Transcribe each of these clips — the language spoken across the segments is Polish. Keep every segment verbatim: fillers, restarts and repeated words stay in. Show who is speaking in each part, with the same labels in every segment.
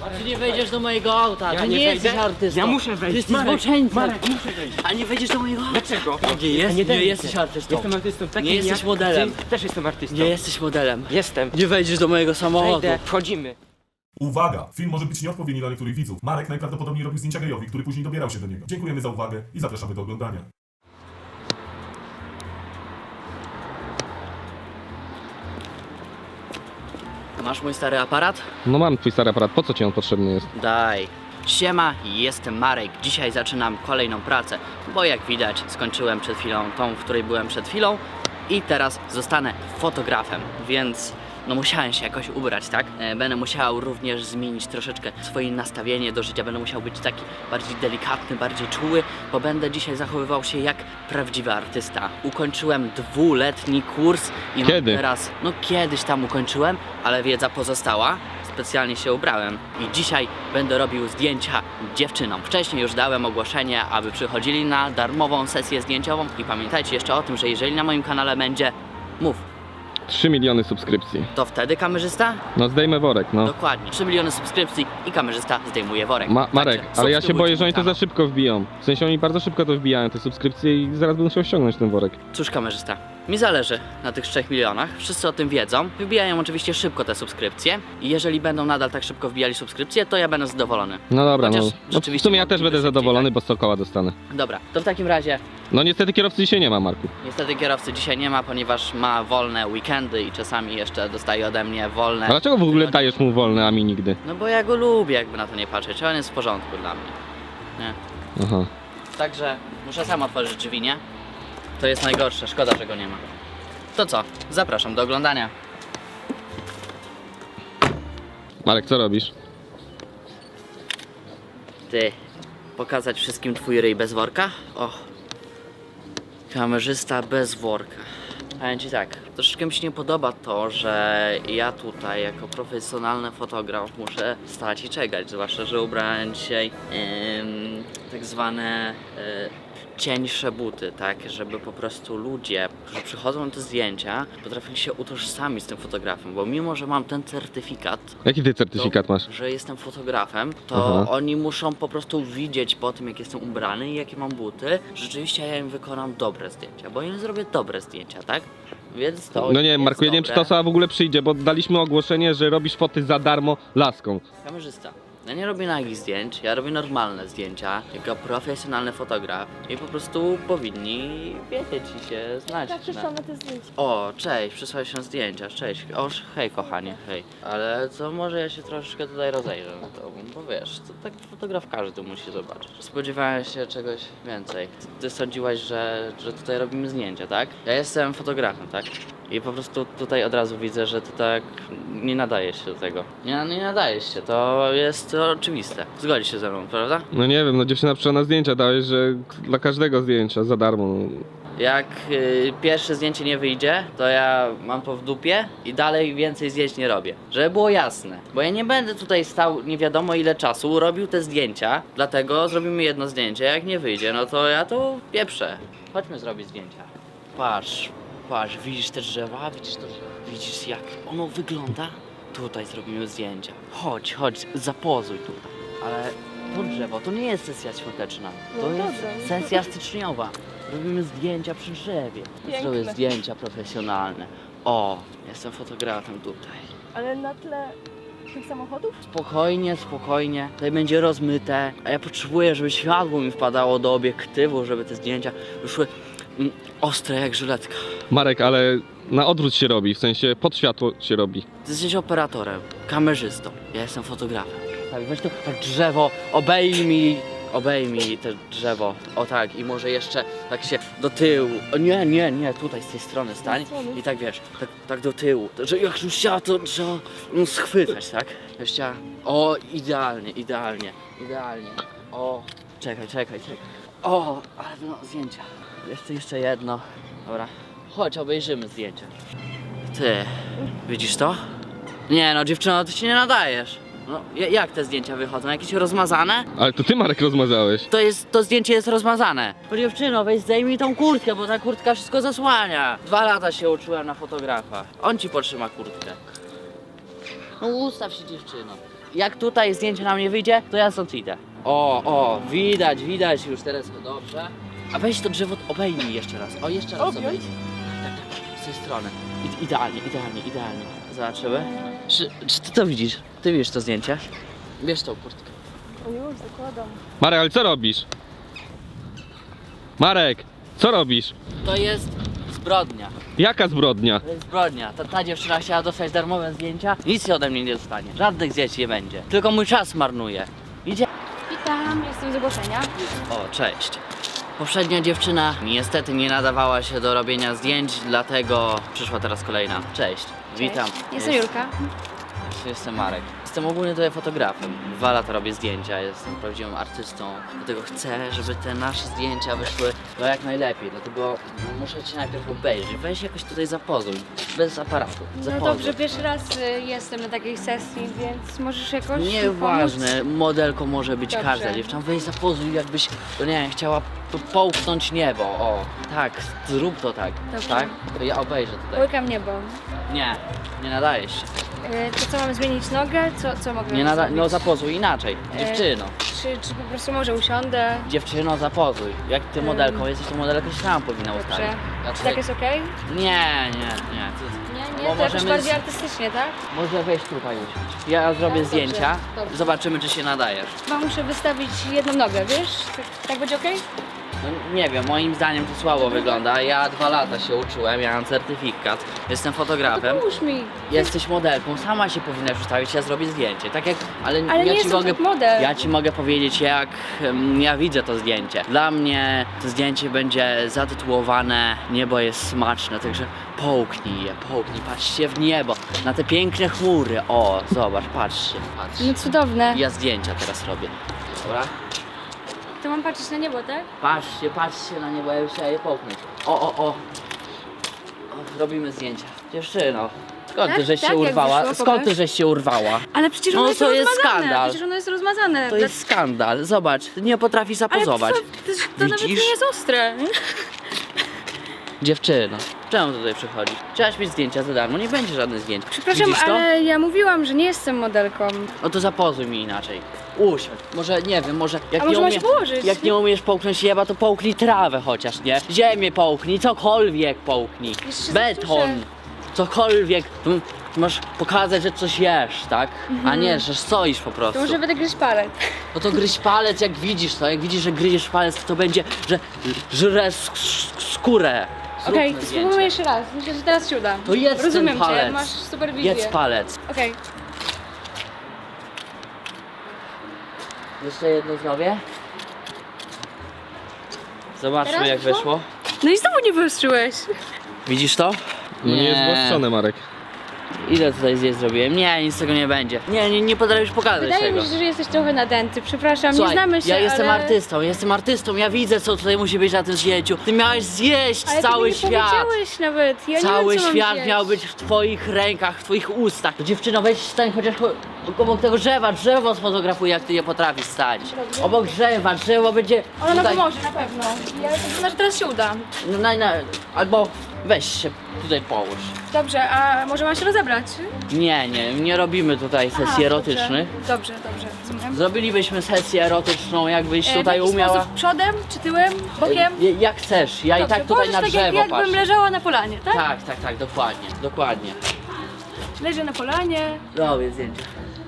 Speaker 1: Ty nie wejdziesz do mojego auta,
Speaker 2: Ja
Speaker 1: ty
Speaker 2: nie
Speaker 1: nie, jesteś
Speaker 2: wejdę.
Speaker 1: artystą.
Speaker 2: Ja muszę wejść.
Speaker 1: Ty jesteś
Speaker 2: Marek,
Speaker 1: zboczeńcem.
Speaker 2: Marek, muszę wejść.
Speaker 1: A nie wejdziesz do mojego auta.
Speaker 2: Dlaczego?
Speaker 1: Nie, jest, nie,
Speaker 2: daj mi
Speaker 1: jesteś
Speaker 2: się.
Speaker 1: artystą.
Speaker 2: Jestem artystą takim
Speaker 1: Nie jesteś
Speaker 2: jak
Speaker 1: modelem.
Speaker 2: Ty też jestem artystą.
Speaker 1: Nie jesteś modelem.
Speaker 2: Jestem.
Speaker 1: Nie wejdziesz do mojego samochodu.
Speaker 2: Wejdę. Wchodzimy.
Speaker 3: Uwaga! Film może być nieodpowiedni dla niektórych widzów. Marek najprawdopodobniej robił zdjęcia gejowi, który później dobierał się do niego. Dziękujemy za uwagę i zapraszamy do oglądania.
Speaker 1: Masz mój stary aparat?
Speaker 4: No mam twój stary aparat, po co ci on potrzebny jest?
Speaker 1: Daj. Siema, jestem Marek. Dzisiaj zaczynam kolejną pracę, bo jak widać skończyłem przed chwilą tą, w której byłem przed chwilą i teraz zostanę fotografem, więc no musiałem się jakoś ubrać, tak? E, Będę musiał również zmienić troszeczkę swoje nastawienie do życia, będę musiał być taki bardziej delikatny, bardziej czuły, bo będę dzisiaj zachowywał się jak prawdziwy artysta. Ukończyłem dwuletni kurs i mam
Speaker 4: Kiedy?
Speaker 1: teraz, no kiedyś tam ukończyłem, ale wiedza pozostała. Specjalnie się ubrałem i dzisiaj będę robił zdjęcia dziewczynom. Wcześniej już dałem ogłoszenie, aby przychodzili na darmową sesję zdjęciową i pamiętajcie jeszcze o tym, że jeżeli na moim kanale będzie mów,
Speaker 4: trzy miliony subskrypcji.
Speaker 1: to wtedy kamerzysta?
Speaker 4: No zdejmę worek, no.
Speaker 1: Dokładnie. trzy miliony subskrypcji i kamerzysta zdejmuje worek.
Speaker 4: Ma Marek,
Speaker 1: Także
Speaker 4: ale ja się boję, że oni to
Speaker 1: subskrybujcie
Speaker 4: za szybko wbiją. W sensie oni bardzo szybko to wbijają, te subskrypcje i zaraz będą musiał ściągnąć ten worek.
Speaker 1: mój kanał. Cóż kamerzysta, mi zależy na tych trzech milionach. Wszyscy o tym wiedzą. Wybijają oczywiście szybko te subskrypcje i jeżeli będą nadal tak szybko wbijali subskrypcje, to ja będę zadowolony.
Speaker 4: No dobra,
Speaker 1: Chociaż
Speaker 4: no. no. W
Speaker 1: rzeczywiście
Speaker 4: sumie ja też
Speaker 1: mogliby
Speaker 4: będę
Speaker 1: szybciej,
Speaker 4: zadowolony,
Speaker 1: tak?
Speaker 4: bo sto koła dostanę.
Speaker 1: Dobra, to w takim razie
Speaker 4: No niestety kierowcy dzisiaj nie ma, Marku.
Speaker 1: niestety kierowcy dzisiaj nie ma, ponieważ ma wolne weekendy i czasami jeszcze dostaje ode mnie wolne.
Speaker 4: A dlaczego w ogóle
Speaker 1: tygodnie.
Speaker 4: dajesz mu wolne, a mi nigdy?
Speaker 1: No bo ja go lubię, jakby na to nie patrzeć. On jest w porządku dla mnie. Nie.
Speaker 4: Aha.
Speaker 1: Także muszę sam otworzyć drzwi, nie? To jest najgorsze, szkoda, że go nie ma. To co? Zapraszam do oglądania.
Speaker 4: Marek, co robisz?
Speaker 1: Ty, pokazać wszystkim twój ryj bez worka? O, kamerzysta bez worka. Powiem ci tak, troszeczkę mi się nie podoba to, że ja tutaj jako profesjonalny fotograf muszę stać i czekać, zwłaszcza, że ubrałem dzisiaj em, tak zwane e, cieńsze buty, tak, żeby po prostu ludzie, którzy przychodzą na te zdjęcia, potrafili się utożsamić z tym fotografem, bo mimo, że mam ten certyfikat,
Speaker 4: Jaki ty certyfikat
Speaker 1: to,
Speaker 4: masz?
Speaker 1: że jestem fotografem, to
Speaker 4: Aha.
Speaker 1: oni muszą po prostu widzieć po tym, jak jestem ubrany i jakie mam buty, że rzeczywiście ja im wykonam dobre zdjęcia, bo im zrobię dobre zdjęcia, tak? Więc to
Speaker 4: No nie wiem,
Speaker 1: jest
Speaker 4: Marku, ja nie wiem, czy ta
Speaker 1: dobre.
Speaker 4: osoba w ogóle przyjdzie, bo daliśmy ogłoszenie, że robisz foty za darmo laską.
Speaker 1: Kamerzysta. Ja nie robię nagich zdjęć, ja robię normalne zdjęcia, jako profesjonalny fotograf i po prostu powinni wiedzieć i się znać.
Speaker 5: Tak, przyszłam na te zdjęcia.
Speaker 1: O, cześć, przysłałeś się zdjęcia, cześć. O, hej kochanie, hej. Ale co, może ja się troszeczkę tutaj rozejrzę na to, bo wiesz, to tak fotograf każdy musi zobaczyć. Spodziewałem się czegoś więcej. Ty sądziłaś, że, że tutaj robimy zdjęcia, tak? Ja jestem fotografem, tak? I po prostu tutaj od razu widzę, że ty tak nie nadajesz się do tego. Nie, nie nadajesz się, to jest oczywiste. Zgodzisz się ze mną, prawda?
Speaker 4: No nie wiem, no dziewczyna przyszła na zdjęcia, dałeś, że dla każdego zdjęcia za darmo. No.
Speaker 1: Jak y, pierwsze zdjęcie nie wyjdzie, to ja mam to w dupie i dalej więcej zdjęć nie robię. Żeby było jasne. Bo ja nie będę tutaj stał nie wiadomo ile czasu, robił te zdjęcia, dlatego zrobimy jedno zdjęcie. Jak nie wyjdzie, no to ja to pieprzę. Chodźmy zrobić zdjęcia. Patrz, patrz, widzisz te drzewa? Widzisz to? Widzisz jak ono wygląda? Tutaj zrobimy zdjęcia. Chodź, chodź, zapozuj tutaj. Ale to drzewo to nie jest sesja świąteczna. To
Speaker 5: No
Speaker 1: jest
Speaker 5: dobrze, no to-
Speaker 1: sesja styczniowa. Robimy zdjęcia przy drzewie.
Speaker 5: Piękne.
Speaker 1: Zrobię zdjęcia profesjonalne. O, jestem fotografem tutaj.
Speaker 5: Ale na tle tych samochodów?
Speaker 1: Spokojnie, spokojnie. Tutaj będzie rozmyte. A ja potrzebuję, żeby światło mi wpadało do obiektywu, żeby te zdjęcia wyszły mm, ostre jak żyletka.
Speaker 4: Marek, ale na odwrót się robi, w sensie pod światło się robi.
Speaker 1: Ty jesteś operatorem, kamerzystą. Ja jestem fotografem. Tak, weź to tak drzewo, obejmij, obejmij te drzewo. O tak, i może jeszcze tak się do tyłu. O nie, nie, nie, tutaj z tej strony stań. I tak wiesz, tak, tak do tyłu. To, że jak już chciała, to trzeba no, schwytać, tak? Ja chciała. O, idealnie, idealnie, idealnie. O, czekaj, czekaj, czekaj. O, ale no, zdjęcia. Jeszcze, jeszcze jedno. Dobra. Chodź, obejrzymy zdjęcia. Ty, widzisz to? Nie no, dziewczyno, ty się nie nadajesz. No, ja- jak te zdjęcia wychodzą? Jakieś rozmazane?
Speaker 4: Ale to ty, Marek, rozmazałeś.
Speaker 1: To jest, to zdjęcie jest rozmazane. Bo dziewczyno, weź zdejmij tą kurtkę, bo ta kurtka wszystko zasłania. Dwa lata się uczyłem na fotografa. On ci potrzyma kurtkę. No ustaw się, dziewczyno. jak tutaj zdjęcie nam nie wyjdzie, to ja stąd idę. O, o, widać, widać już teraz to dobrze. A weź to drzewo, obejmij jeszcze raz. O, jeszcze raz
Speaker 5: Objąć?
Speaker 1: obejmij. Tak, tak, tak, z tej strony. I, idealnie, idealnie, idealnie. Zobaczymy. Czy, czy ty to widzisz? Ty widzisz to zdjęcie? Bierz tą kurtkę.
Speaker 5: O już, zakładam.
Speaker 4: Marek, ale co robisz? Marek, co robisz?
Speaker 1: To jest zbrodnia.
Speaker 4: Jaka zbrodnia?
Speaker 1: To jest zbrodnia. Ta, ta dziewczyna chciała dostać darmowe zdjęcia. Nic się ode mnie nie dostanie. Żadnych zdjęć nie będzie. Tylko mój czas marnuje. Idzie.
Speaker 2: Witam, jestem z ogłoszenia.
Speaker 1: O, cześć. Poprzednia dziewczyna niestety nie nadawała się do robienia zdjęć, dlatego przyszła teraz kolejna. Cześć. Witam.
Speaker 2: Jestem Julka.
Speaker 1: Jestem Marek. Jestem ogólnie tutaj fotografem. Dwa lata robię zdjęcia, jestem prawdziwym artystą. Dlatego chcę, żeby te nasze zdjęcia wyszły no jak najlepiej. Dlatego muszę cię najpierw obejrzeć. Weź jakoś tutaj zapozuj. Bez aparatu.
Speaker 2: No
Speaker 1: Zapozuj.
Speaker 2: dobrze, pierwszy raz y, jestem na takiej sesji, więc możesz jakoś mi
Speaker 1: Nieważne, modelką może być
Speaker 2: Dobrze.
Speaker 1: każda dziewczyna. Weź zapozuj, jakbyś, no nie wiem, chciała po- połknąć niebo. O, tak, zrób to tak.
Speaker 2: Dobrze.
Speaker 1: Tak? To ja obejrzę
Speaker 2: pomóc.
Speaker 1: tutaj.
Speaker 2: Łykam niebo.
Speaker 1: Nie, nie nadajesz się.
Speaker 2: Y, to co, mam zmienić nogę? Co, co mogę
Speaker 1: Nie nada-
Speaker 2: zrobić?
Speaker 1: no zapozuj inaczej.
Speaker 2: E,
Speaker 1: Dziewczyno.
Speaker 2: Czy, czy po prostu może usiądę?
Speaker 1: Dziewczyno, zapozuj. Jak ty
Speaker 2: Ym.
Speaker 1: modelką jesteś, to modelka się sama powinna
Speaker 2: Dobrze.
Speaker 1: ustawić. Ja
Speaker 2: Czy
Speaker 1: tutaj-
Speaker 2: tak jest okej?
Speaker 1: Nie, nie, nie. Ty...
Speaker 2: Nie,
Speaker 1: Bo
Speaker 2: nie, to jakoś
Speaker 1: możemy
Speaker 2: bardziej
Speaker 1: z-
Speaker 2: artystycznie, tak?
Speaker 1: Może wejść tutaj usiąść. Ja zrobię
Speaker 2: dobrze,
Speaker 1: zdjęcia.
Speaker 2: dobrze.
Speaker 1: Zobaczymy, czy się nadajesz.
Speaker 2: Chyba muszę wystawić jedną nogę, wiesz? Tak, tak będzie okej?
Speaker 1: No, nie wiem, moim zdaniem to słabo wygląda. Ja dwa lata się uczyłem, ja mam certyfikat. Jestem fotografem.
Speaker 2: Pomóż mi.
Speaker 1: Jesteś modelką, sama się powinnaś ustawić, ja zrobię zdjęcie. Tak jak, ale,
Speaker 2: Ale
Speaker 1: ja
Speaker 2: nie
Speaker 1: ci
Speaker 2: jestem
Speaker 1: mogę,
Speaker 2: top model.
Speaker 1: ja ci mogę powiedzieć, jak em, ja widzę to zdjęcie. Dla mnie to zdjęcie będzie zatytułowane Niebo jest smaczne, także połknij je, połknij, patrzcie w niebo, na te piękne chmury. O, zobacz, patrzcie, patrzcie.
Speaker 2: No cudowne.
Speaker 1: Ja zdjęcia teraz robię. Dobra?
Speaker 2: To mam patrzeć na niebo, tak?
Speaker 1: Patrzcie, patrzcie na niebo, ja już chciałem je połknąć. O, o, o. o robimy zdjęcia. Dziewczyno, skąd
Speaker 2: Tak?
Speaker 1: ty żeś
Speaker 2: Tak,
Speaker 1: się
Speaker 2: jak
Speaker 1: urwała?
Speaker 2: wyszło?
Speaker 1: Skąd ty
Speaker 2: Pokaż.
Speaker 1: żeś się urwała?
Speaker 2: Ale przecież
Speaker 1: No
Speaker 2: ono jest
Speaker 1: to jest
Speaker 2: rozmazane.
Speaker 1: skandal.
Speaker 2: Przecież ono jest rozmazane.
Speaker 1: To jest skandal, zobacz, ty nie potrafisz zapozować.
Speaker 2: Ale to, to, to nawet
Speaker 1: Widzisz?
Speaker 2: nie jest ostre.
Speaker 1: Dziewczyno, czemu tutaj przychodzisz? Chciałaś mieć zdjęcia za darmo, nie będzie żadnych zdjęć.
Speaker 2: Przepraszam,
Speaker 1: Widzisz to?
Speaker 2: ale ja mówiłam, że nie jestem modelką.
Speaker 1: No to zapozuj mi inaczej. Usiądź, może nie wiem, może jak
Speaker 2: A
Speaker 1: nie
Speaker 2: może mam
Speaker 1: umie...
Speaker 2: się położyć?
Speaker 1: Jak nie umiesz połknąć jeba, to połknij trawę chociaż, nie? Ziemię połknij, cokolwiek połknij.
Speaker 2: Jeszcze się
Speaker 1: Beton,
Speaker 2: zastuszę.
Speaker 1: cokolwiek. Mm, Masz pokazać, że coś jesz, tak? A nie, że stoisz po prostu.
Speaker 2: To może będę gryźć palec.
Speaker 1: No to gryź palec, jak widzisz to, jak widzisz, że gryziesz palec, to będzie, że żre sk- sk- skórę. Zróbmy
Speaker 2: Okej, to
Speaker 1: zdjęcie.
Speaker 2: spróbujmy jeszcze raz. Myślę, że teraz się uda.
Speaker 1: To jedz ten
Speaker 2: Rozumiem cię,
Speaker 1: palec.
Speaker 2: masz superwizję.
Speaker 1: Jedz palec.
Speaker 2: Okej.
Speaker 1: Jeszcze jedno zrobię. Zobaczmy,
Speaker 2: Teraz
Speaker 1: jak
Speaker 2: wyszło?
Speaker 1: wyszło.
Speaker 2: No i znowu nie wyostrzyłeś.
Speaker 1: Widzisz to?
Speaker 4: No nie jest włosczone, Marek.
Speaker 1: Ile tutaj zdjęć zrobiłem? Nie, nic z tego nie będzie. Nie, nie, nie potrafisz pokazać
Speaker 2: Wydaje
Speaker 1: tego.
Speaker 2: mi się, że jesteś trochę nadęty. Przepraszam,
Speaker 1: Słuchaj,
Speaker 2: nie znamy się,
Speaker 1: ja jestem
Speaker 2: ale...
Speaker 1: artystą, jestem artystą, ja widzę, co tutaj musi być na tym zdjęciu. Ty miałeś zjeść
Speaker 2: Ale
Speaker 1: cały
Speaker 2: ty mi nie
Speaker 1: świat.
Speaker 2: powiedziałeś nawet. Ja
Speaker 1: Cały
Speaker 2: nie wiem, co mam
Speaker 1: świat
Speaker 2: zjeść.
Speaker 1: miał być w twoich rękach, w twoich ustach. To dziewczyno, weź stań chociaż ko- obok tego drzewa, drzewo sfotografuj, jak ty nie potrafisz stać.
Speaker 2: Dobrze.
Speaker 1: Obok drzewa, drzewo będzie
Speaker 2: Ono nam
Speaker 1: tutaj...
Speaker 2: pomoże, na pewno. Ja myślę, że teraz się uda.
Speaker 1: No, na, na, albo weź się tutaj połóż.
Speaker 2: Dobrze, a może mam się rozebrać?
Speaker 1: Nie, nie, nie robimy tutaj sesji
Speaker 2: Aha,
Speaker 1: erotycznych.
Speaker 2: Dobrze, dobrze, dobrze. Rozumiem.
Speaker 1: Zrobilibyśmy sesję erotyczną, jakbyś
Speaker 2: E,
Speaker 1: tutaj
Speaker 2: w jaki
Speaker 1: umiała.
Speaker 2: sposób? Przodem, czy tyłem, bokiem?
Speaker 1: E, Jak chcesz, ja i
Speaker 2: Dobrze,
Speaker 1: tak tutaj
Speaker 2: położysz
Speaker 1: na
Speaker 2: tak
Speaker 1: drzewo
Speaker 2: jak,
Speaker 1: patrzę.
Speaker 2: jakbym leżała na polanie, tak?
Speaker 1: Tak, tak, tak, dokładnie, dokładnie.
Speaker 2: Leżę na polanie.
Speaker 1: Robię zdjęcie.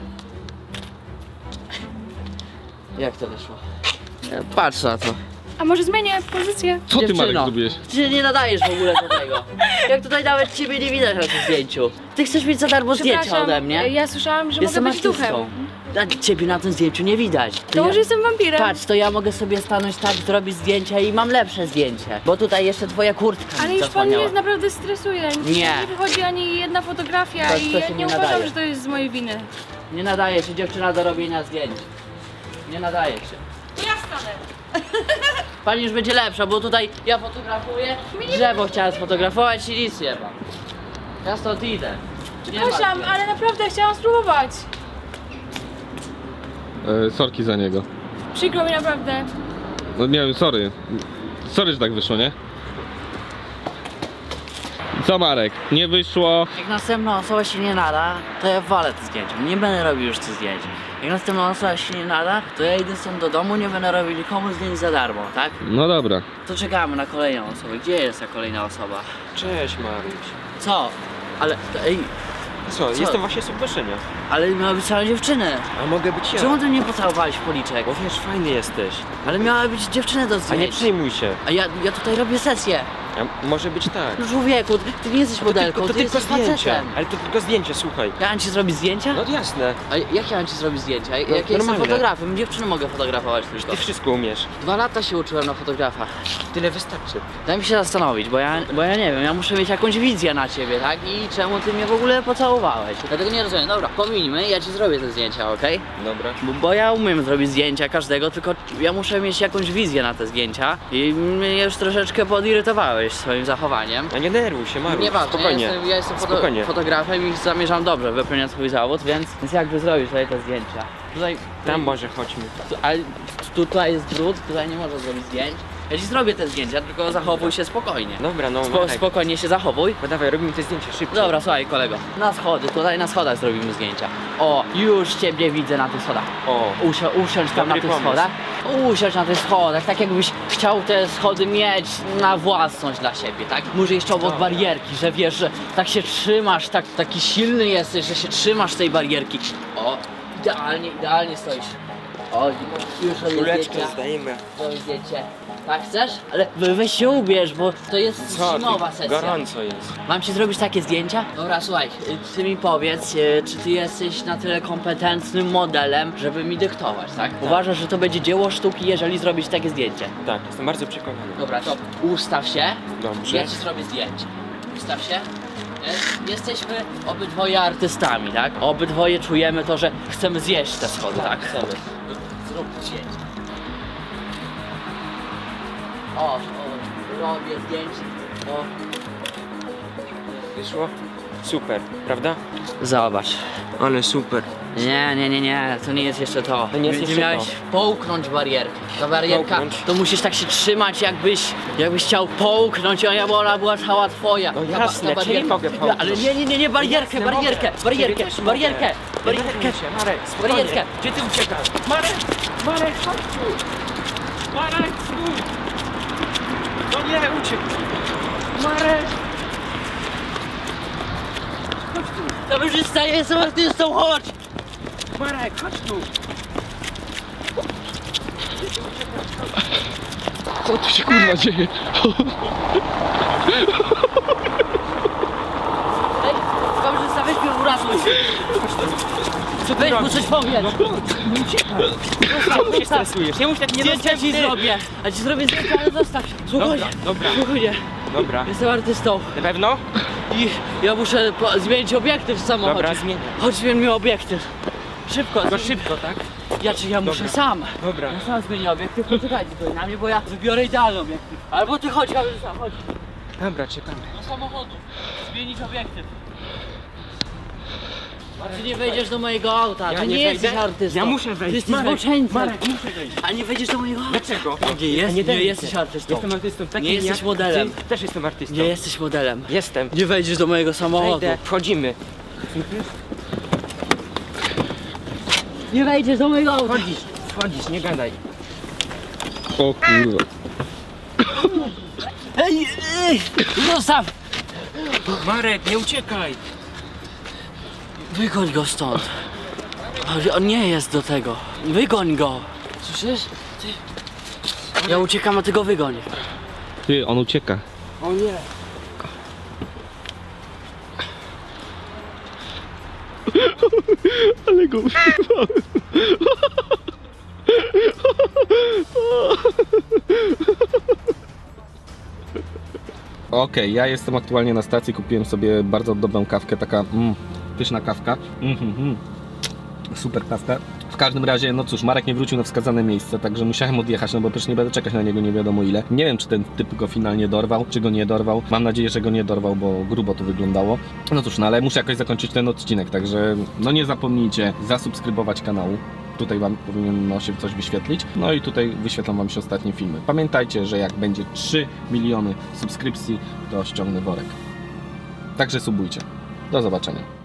Speaker 1: Jak to wyszło? E, Patrz na to.
Speaker 2: A może zmienię pozycję?
Speaker 4: Co ty, Marek,
Speaker 1: Dziewczyno,
Speaker 4: zrobiłeś?
Speaker 1: Ty się nie nadajesz w ogóle do tego. Jak tutaj nawet ciebie nie widać na tym zdjęciu. Ty chcesz mieć za darmo zdjęcia
Speaker 2: Przepraszam,
Speaker 1: ode mnie?
Speaker 2: ja słyszałam, że
Speaker 1: Jestem
Speaker 2: mogę być
Speaker 1: artystą.
Speaker 2: duchem.
Speaker 1: A ciebie na tym zdjęciu nie widać.
Speaker 2: To może jestem wampirem.
Speaker 1: Patrz, to ja mogę sobie stanąć tak, zrobić zdjęcia i mam lepsze zdjęcie. Bo tutaj jeszcze twoja kurtka
Speaker 2: Ale
Speaker 1: mi
Speaker 2: już pan
Speaker 1: zasłaniała.
Speaker 2: mnie naprawdę stresuje.
Speaker 1: Nie.
Speaker 2: Nie wychodzi ani jedna fotografia
Speaker 1: To-
Speaker 2: i
Speaker 1: to
Speaker 2: ja
Speaker 1: się
Speaker 2: nie
Speaker 1: nie
Speaker 2: uważam,
Speaker 1: nadaje.
Speaker 2: że to jest z mojej winy.
Speaker 1: Nie nadaje się dziewczyna do robienia zdjęć. Nie nadaje się.
Speaker 2: Ja stanę.
Speaker 1: Pani już będzie lepsza, bo tutaj ja fotografuję, drzewo chciałem sfotografować i nic nie ma. Ja stąd idę. Nie
Speaker 2: Przepraszam,
Speaker 1: ma.
Speaker 2: ale naprawdę chciałam spróbować.
Speaker 4: E, sorki za niego.
Speaker 2: Przykro mi naprawdę.
Speaker 4: No nie wiem, sorry. Sorry, że tak wyszło, nie? Co Marek? Nie wyszło.
Speaker 1: Jak następna osoba się nie nada, to ja walę te zdjęcia. Nie będę robił już tych zdjęć. Jak następna osoba się nie nada, to ja idę stąd do domu, nie będę robił nikomu zdjęć za darmo, tak?
Speaker 4: No dobra.
Speaker 1: To czekamy na kolejną osobę. Gdzie jest ta kolejna osoba?
Speaker 6: Cześć Maruś.
Speaker 1: Co? Ale, to, ej,
Speaker 6: Co,
Speaker 1: Co?
Speaker 6: jestem właśnie z Subbaszenia.
Speaker 1: ale miała być cała dziewczyny.
Speaker 6: A mogę być ja?
Speaker 1: Czemu ty mnie pocałowałeś w policzek?
Speaker 6: Bo wiesz, fajny jesteś.
Speaker 1: Ale miała być dziewczyny do
Speaker 6: A nie
Speaker 1: zdjęć.
Speaker 6: przejmuj się.
Speaker 1: A ja, ja tutaj robię sesję.
Speaker 6: A może być tak.
Speaker 1: No człowieku, ty, ty nie jesteś modelką,
Speaker 6: to
Speaker 1: ty
Speaker 6: tylko
Speaker 1: jesteś
Speaker 6: zdjęcie.
Speaker 1: facetem.
Speaker 6: Ale to tylko zdjęcie, słuchaj.
Speaker 1: Ja mam ci zrobić zdjęcia?
Speaker 6: No jasne.
Speaker 1: A jak ja mam ci zrobić zdjęcia? Jak
Speaker 6: No,
Speaker 1: ja jestem
Speaker 6: normalnie.
Speaker 1: fotografem, dziewczyny mogę fotografować tylko.
Speaker 6: Ty wszystko umiesz.
Speaker 1: Dwa lata się uczyłem na fotografa.
Speaker 6: Tyle wystarczy.
Speaker 1: Daj mi się zastanowić, bo ja, bo ja nie wiem, ja muszę mieć jakąś wizję na ciebie, tak? I czemu ty mnie w ogóle pocałowałeś? Dlatego nie rozumiem. Dobra, pominijmy, ja ci zrobię te zdjęcia, okej?
Speaker 6: Dobra.
Speaker 1: Bo, bo ja umiem zrobić zdjęcia każdego, tylko ja muszę mieć jakąś wizję na te zdjęcia. I mnie już troszeczkę podirytowałeś swoim zachowaniem.
Speaker 6: A nie denerwuj się, Maruś.
Speaker 1: Nieważne,
Speaker 6: Spokojnie.
Speaker 1: ja jestem, ja jestem foto
Speaker 6: Spokojnie.
Speaker 1: fotografem i zamierzam dobrze wypełniać swój zawód, więc, więc jakby zrobić tutaj te zdjęcia. Tutaj,
Speaker 6: Tam może chodźmy.
Speaker 1: tu, ale tu, tutaj jest brud, tutaj nie można zrobić zdjęć. Ja ci zrobię te zdjęcia, tylko zachowuj się spokojnie.
Speaker 6: Dobra, no
Speaker 1: Spo,
Speaker 6: Marek.
Speaker 1: spokojnie się zachowuj.
Speaker 6: Bo dawaj, robimy te zdjęcia szybko.
Speaker 1: Dobra, słuchaj kolego, na schody, tutaj na schodach zrobimy zdjęcia. O, już ciebie widzę na tych schodach.
Speaker 6: O,
Speaker 1: Usia, usiądź tam
Speaker 6: Dobry
Speaker 1: na tych
Speaker 6: pomysł.
Speaker 1: schodach. Usiądź na tych schodach, tak jakbyś chciał te schody mieć na własność dla siebie, tak? Może jeszcze obok
Speaker 6: Dobra.
Speaker 1: barierki, że wiesz, że tak się trzymasz, tak, taki silny jesteś, że się trzymasz tej barierki. O, idealnie, idealnie stoisz. O, już robię
Speaker 6: kuleczkę
Speaker 1: zdjęcia.
Speaker 6: zdajemy.
Speaker 1: Robię zdjęcie. Tak chcesz? Ale we- weź się ubierz, bo to jest
Speaker 6: Co?
Speaker 1: zimowa
Speaker 6: Ty,
Speaker 1: sesja.
Speaker 6: gorąco jest.
Speaker 1: Mam ci zrobić takie zdjęcia? Dobra, słuchaj, y, ty mi powiedz, y, czy ty jesteś na tyle kompetentnym modelem, żeby mi dyktować, tak? Uważasz, że to będzie dzieło sztuki, jeżeli zrobić takie zdjęcie?
Speaker 6: Tak, jestem bardzo przekonany.
Speaker 1: Dobra, to ustaw się,
Speaker 6: Dobrze.
Speaker 1: ja ci zrobię zdjęcie. Ustaw się. Jest- Jesteśmy obydwoje artystami, tak? Obydwoje czujemy to, że chcemy zjeść te schody, tak? Chcemy. Zrób zdjęcie. O, o, robię zdjęcie. O.
Speaker 6: Wyszło? Super, prawda?
Speaker 1: Zobacz.
Speaker 6: Ale super.
Speaker 1: Nie, nie, nie, nie, to nie jest jeszcze to.
Speaker 6: To nie jest
Speaker 1: Będzie
Speaker 6: jeszcze
Speaker 1: miałeś
Speaker 6: to.
Speaker 1: połknąć barierkę. Ta barierka,
Speaker 6: Połknąć?
Speaker 1: to musisz tak się trzymać, jakbyś, jakbyś chciał połknąć, a ja- bo ona była cała twoja.
Speaker 6: No
Speaker 1: Ta ba-
Speaker 6: jasne,
Speaker 1: ta
Speaker 6: czyli mogę połknąć.
Speaker 1: Ale nie, nie, nie, nie, barierkę,
Speaker 6: Jasne,
Speaker 1: barierkę,
Speaker 6: mogę.
Speaker 1: barierkę,
Speaker 6: Ciebie też
Speaker 1: barierkę,
Speaker 6: mogę.
Speaker 1: barierkę,
Speaker 6: Nie denerwuj się, Marek, spokojnie.
Speaker 1: barierkę.
Speaker 6: Gdzie ty uciekasz? Marek! Marek, chodź tu! Marek, stój! No nie, uciekł! Marek!
Speaker 1: Kamerzysta, ja jestem artystą, chodź!
Speaker 6: Marek, chodź tu!
Speaker 4: Co tu się kurwa dzieje?
Speaker 1: Ej, kamerzysta, weź mnie uratuj. Weź mu coś powiedz.
Speaker 6: Czemu się stresujesz? Nie mów tak, nie
Speaker 1: Zdjęcia ci zrobię. A ci zrobię zdjęcia, ale zostaw. Spokojnie,
Speaker 6: dobra.
Speaker 1: spokojnie.
Speaker 6: Dobra,
Speaker 1: Jestem artystą.
Speaker 6: na pewno?
Speaker 1: I ja muszę po- zmienić obiektyw w samochodzie.
Speaker 6: Dobra, zmienię.
Speaker 1: Chodź, zmień mi obiektyw. Szybko,
Speaker 6: Tylko
Speaker 1: zmień-
Speaker 6: szybko, tak?
Speaker 1: Ja czy ja muszę
Speaker 6: Dobra.
Speaker 1: sam.
Speaker 6: Dobra.
Speaker 1: Ja sam zmienię obiektyw, poczekajcie tutaj na mnie, bo ja wybiorę idealny obiektyw. Albo ty chodź, kamerzysta, chodź.
Speaker 6: Dobra, czekamy.
Speaker 1: Do samochodu. Zmienić obiektyw. A ty nie wejdziesz do mojego auta,
Speaker 6: Ja
Speaker 1: ty
Speaker 6: nie
Speaker 1: nie, jesteś
Speaker 6: wejdę.
Speaker 1: artystą.
Speaker 6: Ja muszę wejść.
Speaker 1: Ty jesteś
Speaker 6: Marek,
Speaker 1: zboczeńcem.
Speaker 6: Marek, muszę wejść.
Speaker 1: A nie wejdziesz do mojego auta.
Speaker 6: Dlaczego?
Speaker 1: Nie, jest, nie,
Speaker 6: denerwuj
Speaker 1: jesteś
Speaker 6: się.
Speaker 1: artystą.
Speaker 6: Jestem artystą, tak
Speaker 1: Nie jesteś modelem.
Speaker 6: Ty też jestem artystą.
Speaker 1: Nie jesteś modelem.
Speaker 6: Jestem.
Speaker 1: Nie wejdziesz do mojego samochodu.
Speaker 6: Wejdę. Wchodzimy.
Speaker 1: Nie wejdziesz do mojego auta.
Speaker 6: Wchodzisz, wchodzisz, nie gadaj.
Speaker 4: O kurwa.
Speaker 1: Ej, ej, zostaw!
Speaker 6: Marek, nie uciekaj.
Speaker 1: Wygoń go stąd. On nie jest do tego. Wygoń go. Słyszysz? Ty. Ja uciekam, a ty go wygoń.
Speaker 4: Ty, on ucieka.
Speaker 6: O nie.
Speaker 4: Ale go uśmiechałem. Okej, ja jestem aktualnie na stacji, kupiłem sobie bardzo dobrą kawkę, taka mm, pyszna kawka. Mm, mm, mm. Super kawka. W każdym razie, no cóż, Marek nie wrócił na wskazane miejsce, także musiałem odjechać, no bo przecież nie będę czekać na niego nie wiadomo ile. Nie wiem, czy ten typ go finalnie dorwał, czy go nie dorwał. Mam nadzieję, że go nie dorwał, bo grubo to wyglądało. No cóż, no ale muszę jakoś zakończyć ten odcinek, także no nie zapomnijcie zasubskrybować kanału. Tutaj wam powinno się coś wyświetlić. No i tutaj wyświetlą wam się ostatnie filmy. Pamiętajcie, że jak będzie trzy miliony subskrypcji, to ściągnę worek. Także subujcie. Do zobaczenia.